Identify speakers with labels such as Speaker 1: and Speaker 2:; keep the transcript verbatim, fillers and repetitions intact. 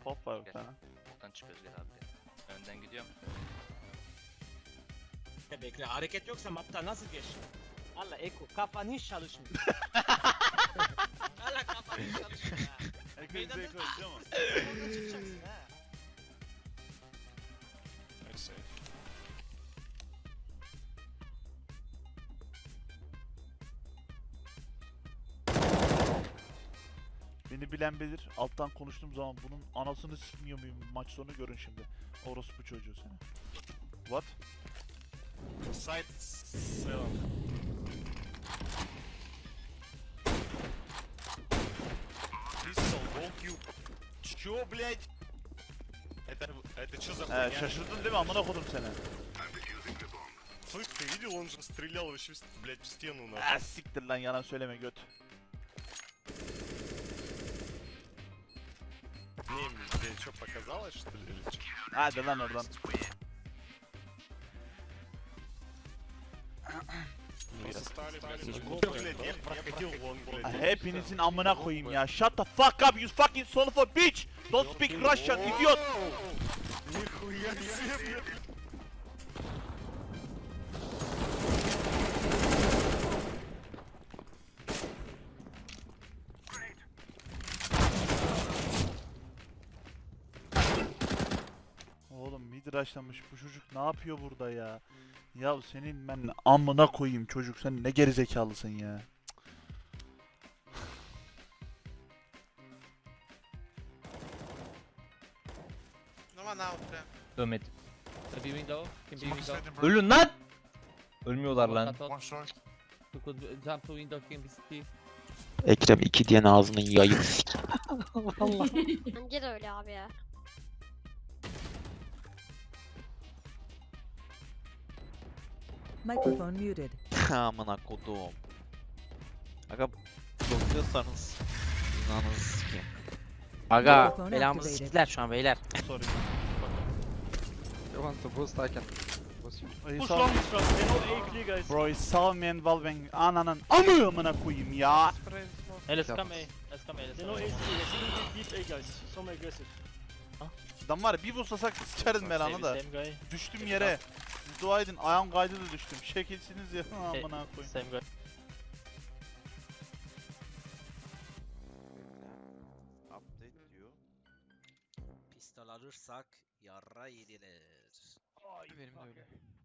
Speaker 1: Pop var bir tane.
Speaker 2: Buradan çıkıyoruz gel abi. Önden gidiyorum.
Speaker 3: Bekle, hareket yoksa mapta nasıl geç? Allah Eko, kafan hiç çalışmıyor. Allah kafan hiç çalışmıyor ha.
Speaker 1: Eko'yu Eko değil mi?
Speaker 3: Orada çıkacaksın ha.
Speaker 4: Neyse.
Speaker 1: Beni bilen bilir. Alttan konuştuğum zaman bunun anasını sikmiyor muyum maç sonu görün şimdi. Orospu çocuğu seni. What?
Speaker 4: Side seven. Pistol, don't you... Чё, блядь? Это, это чё за
Speaker 1: He
Speaker 4: хуйня?
Speaker 1: şaşırdın değil mi amına kodum seni?
Speaker 4: Слышь, ты видел, он же стрелял вообще, блядь, в стену на.
Speaker 1: Ah siktir lan yalan söyleme göt.
Speaker 4: Не, тебе что, показалось, что ли, или чё?
Speaker 1: Hadi lan oradan.
Speaker 4: Просто стали, блядь,
Speaker 5: Слишком
Speaker 4: ну, блядь, я проходил вон, блядь.
Speaker 1: Hepinizin amına koyayım ya. Shut the fuck up you fucking son of a bitch. Don't speak Russian idiot.
Speaker 4: Нихуя себе, блядь.
Speaker 1: Oğlum mid rush'lamış bu çocuk ne yapıyor burada ya? Ya senin ben amına koyayım çocuk sen ne gerizekalısın ya.
Speaker 6: No one out prem.
Speaker 5: Dönmedi. Can be window. Can be
Speaker 4: Smoke
Speaker 5: window.
Speaker 4: sliding, bro.
Speaker 5: Ölün lan! Ölmüyorlar lan.
Speaker 4: One short.
Speaker 5: You could jump to window, can be city.
Speaker 7: Ekrem iki diyen ağzının yayını sik.
Speaker 8: Bence de öyle abi ya.
Speaker 9: Microphone muted.
Speaker 7: Amına kodum. Aga blokluyorsanız inanınız sikeyim.
Speaker 9: Aga,
Speaker 10: Aga belamızı siktiler şu an beyler.
Speaker 1: Sorry.
Speaker 10: You want to boost I can boost you.
Speaker 1: Push
Speaker 3: Push long is from, they know A clear guys.
Speaker 1: Bro is Salman Valven ananın amı amına koyayım ya.
Speaker 5: Hey, let's
Speaker 10: Yap.
Speaker 5: come A. Let's come A. Let's
Speaker 3: They
Speaker 5: come
Speaker 3: know A
Speaker 5: A.
Speaker 3: clear, they deep A guys. Some aggressive.
Speaker 1: Adam var ya bir vursasak sıçarız belanı da.
Speaker 5: Same guy.
Speaker 1: Düştüm yere. Siz dua edin ayağım kaydı da düştüm. Şekilsiniz ya amına koyayım.
Speaker 5: Same guy.
Speaker 7: Update diyor.
Speaker 10: Pistol alırsak yarra yediler.
Speaker 7: Benim de öyle.